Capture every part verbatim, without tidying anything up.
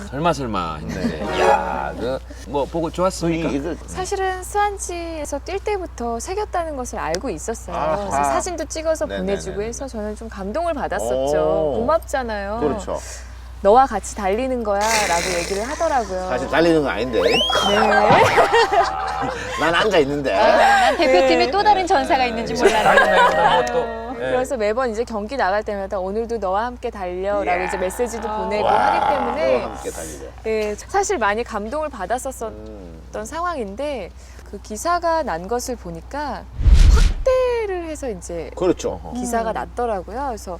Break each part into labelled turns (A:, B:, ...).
A: 설마 설마 했는데 야, 그 뭐 보고 좋았습니까?
B: 이게
C: 사실은 스완지에서 뛸 때부터 새겼다는 것을 알고 있었어요.
B: 아하.
C: 그래서 사진도 찍어서
B: 네네네네.
C: 보내주고 해서 저는 좀 감동을 받았었죠.
B: 오.
C: 고맙잖아요.
B: 그렇죠.
C: 너와 같이 달리는 거야 라고 얘기를 하더라고요.
B: 사실 달리는 건 아닌데.
C: 네.
B: 난 앉아 있는데.
D: 난 대표팀에
C: 네.
D: 또 다른 전사가 있는 줄 몰랐네.
A: 달리나요? 또. 예.
C: 그래서 매번 이제 경기 나갈 때마다 오늘도 너와 함께 달려라고
B: 이야.
C: 이제 메시지도 보내고
B: 와,
C: 하기 때문에
B: 너와 함께 달리자.
C: 예, 사실 많이 감동을 받았었던
B: 음.
C: 상황인데 그 기사가 난 것을 보니까 확대를 해서 이제
B: 그렇죠.
C: 기사가 났더라고요. 그래서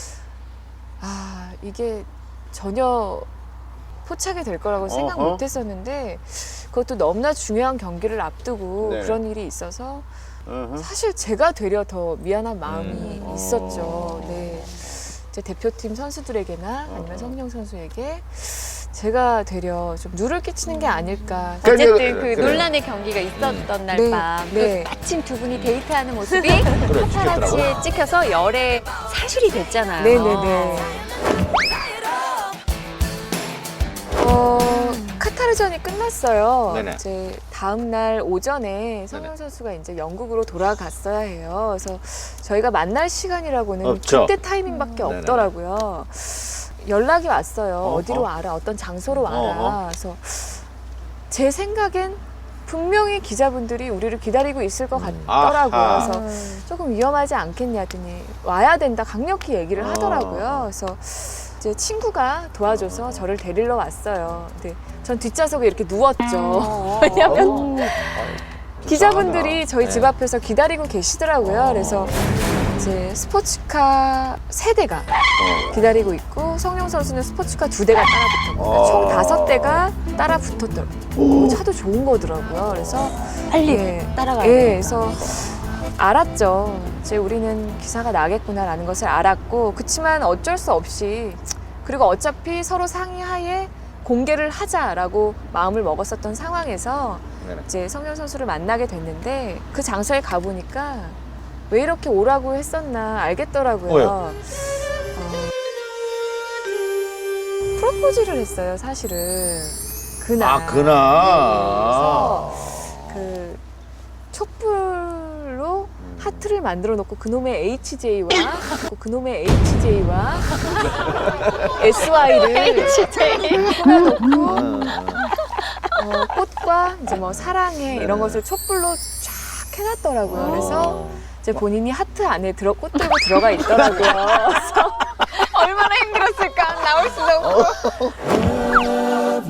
C: 아 이게 전혀 포착이 될 거라고 생각
B: 어허.
C: 못 했었는데 그것도 너무나 중요한 경기를 앞두고
B: 네.
C: 그런 일이 있어서
B: 어허.
C: 사실 제가 되려 더 미안한 마음이
B: 음.
C: 있었죠.
B: 어.
C: 네. 이제 대표팀 선수들에게나 아니면
B: 어허.
C: 성령 선수에게 제가 되려 좀 누를 끼치는 게 아닐까.
D: 어쨌든
B: 그래,
D: 그
B: 그래.
D: 논란의 경기가 있었던 날
C: 네,
D: 밤,
C: 네.
D: 그 마침 두 분이 데이트하는 모습이
B: 그래,
D: 파파라치에 찍혀서 열애 사실이 됐잖아요.
C: 네네네. 어, 카타르전이 끝났어요.
B: 네네.
C: 이제 다음 날 오전에 성령 선수가 이제 영국으로 돌아갔어야 해요. 그래서 저희가 만날 시간이라고는
B: 없죠.
C: 그때 타이밍밖에
B: 네네.
C: 없더라고요. 연락이 왔어요.
B: 어허.
C: 어디로 와라, 어떤 장소로 와라.
B: 어허.
C: 그래서 제 생각엔 분명히 기자분들이 우리를 기다리고 있을 것 같더라고요.
B: 아하.
C: 그래서 조금 위험하지 않겠냐더니 와야 된다 강력히 얘기를
B: 어.
C: 하더라고요. 그래서 이제 친구가 도와줘서 저를 데리러 왔어요. 근데 전 뒷좌석에 이렇게 누웠죠. 왜냐면 기자분들이 저희 집
B: 네.
C: 앞에서 기다리고 계시더라고요. 그래서 이제 스포츠카 세 대가 기다리고 있고 성령 선수는 스포츠카 두 대가 따라붙었고
B: 어.
C: 총 다섯 대가 따라붙었더라고요. 차도 좋은 거더라고요. 그래서
D: 빨리
C: 예.
D: 따라가야
C: 예,
D: 돼.
C: 그래서 알았죠. 이제 우리는 기사가 나겠구나라는 것을 알았고 그치만 어쩔 수 없이 그리고 어차피 서로 상의하에 공개를 하자라고 마음을 먹었었던 상황에서
B: 네네.
C: 이제 성현 선수를 만나게 됐는데 그 장소에 가보니까 왜 이렇게 오라고 했었나 알겠더라고요.
B: 왜요?
C: 어, 프로포즈를 했어요, 사실은. 그날.
B: 아, 그날.
C: 그래서 그 촛불로 하트를 만들어 놓고 그놈의 에이치제이와 그놈의 에이치제이와 에스와이를 뿌려놓고 어, 꽃과 이제 뭐 사랑해 이런 것을 촛불로 쫙 해놨더라고요. 그래서 이제 본인이 하트 안에 들어 꽃 들고 들어가 있더라고요. 그래서 얼마나 힘들었을까 나올 수도 없고.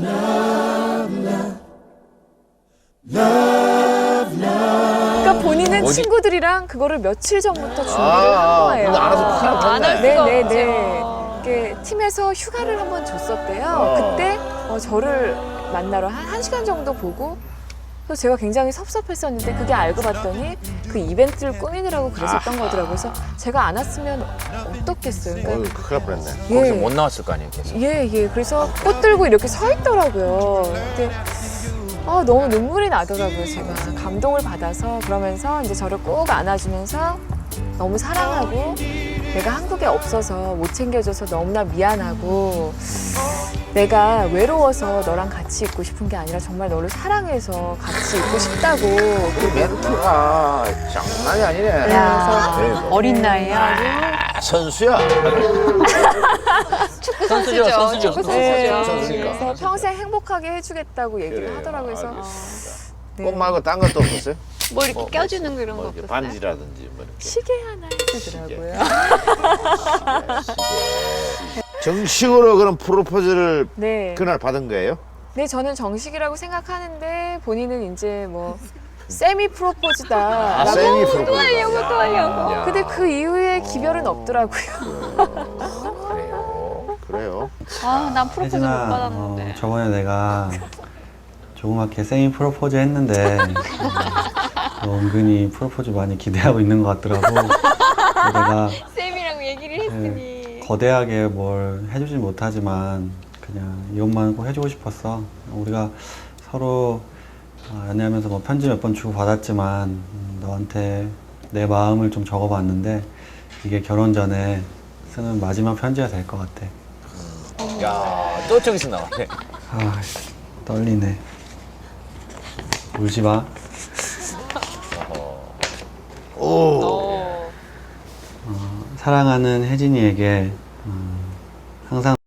C: 그러니까 본인은
B: 어디-
C: 친구들이랑 그거를 며칠 전부터 준비를
B: 아,
C: 한 거예요.
B: 근데 알아서 큰일
D: 안 할
B: 났네.
D: 수가
C: 네네네.
D: 없죠.
C: 이게 팀에서 휴가를 한번 줬었대요.
B: 어.
C: 그때 어, 저를 만나러 한, 한 시간 정도 보고 그래서 제가 굉장히 섭섭했었는데 그게 알고 봤더니 그 이벤트를 꾸미느라고 그랬었던
B: 아하.
C: 거더라고요. 그래서 제가 안 왔으면 어떻겠어요.
B: 어휴,
C: 그러니까
B: 큰일 날 뻔했네.
A: 거기서
C: 예.
A: 못 나왔을 거 아니에요, 계속.
C: 예, 예. 그래서 꽃 들고 이렇게 서 있더라고요. 근데 아, 너무 눈물이 나더라고요, 제가. 감동을 받아서 그러면서 이제 저를 꼭 안아주면서 너무 사랑하고 내가 한국에 없어서 못 챙겨줘서 너무나 미안하고 내가 외로워서 너랑 같이 있고 싶은 게 아니라 정말 너를 사랑해서 같이 있고 싶다고
B: 그 멘트가 장난이 아니네.
C: 야.
B: 그래서.
D: 어린 나이에 아주
B: 아, 선수야.
D: 축구
A: 선수죠,
D: 선수죠.
A: 선수죠.
D: 축구
C: 네,
D: 선수죠.
B: 선수니까.
C: 그래서 평생 행복하게 해주겠다고 얘기를
B: 그래요.
C: 하더라고요. 그래서
B: 알겠습니다.
C: 네.
B: 꽃 말고 딴 것도 없었어요?
D: 뭐 이렇게
B: 뭐,
D: 껴주는 그런
B: 뭐
D: 거
B: 이렇게
D: 없었어요?
B: 반지라든지 뭐 이렇게.
C: 시계 하나 해주더라고요.
B: 정식으로 그런 프로포즈를
C: 네.
B: 그날 받은 거예요?
C: 네, 저는 정식이라고 생각하는데 본인은 이제 뭐 세미 프로포즈다.
B: 아,
C: 라고.
B: 세미 프로포즈.
D: 또 하려고 또 하려고.
B: 야.
C: 근데 그 이후에 기별은 없더라고요.
B: 그래요. 그래요.
D: 아, 난 프로포즈 못
E: 혜진아,
D: 받았는데.
E: 어, 저번에 내가 조그맣게 생일 프로포즈 했는데 너 은근히 프로포즈 많이 기대하고 있는 것 같더라고. 그래서 내가
D: 쌤이랑 얘기를 했으니.
E: 거대하게 뭘 해주진 못하지만 그냥 이것만 꼭 해주고 싶었어. 우리가 서로 어, 연애하면서 뭐 편지 몇 번 주고 받았지만 음, 너한테 내 마음을 좀 적어봤는데 이게 결혼 전에 쓰는 마지막 편지가 될 것 같아.
A: 야, 또 저기서 나왔네.
E: 아, 떨리네. 울지 마.
B: 오.
E: 사랑하는 혜진이에게 음, 항상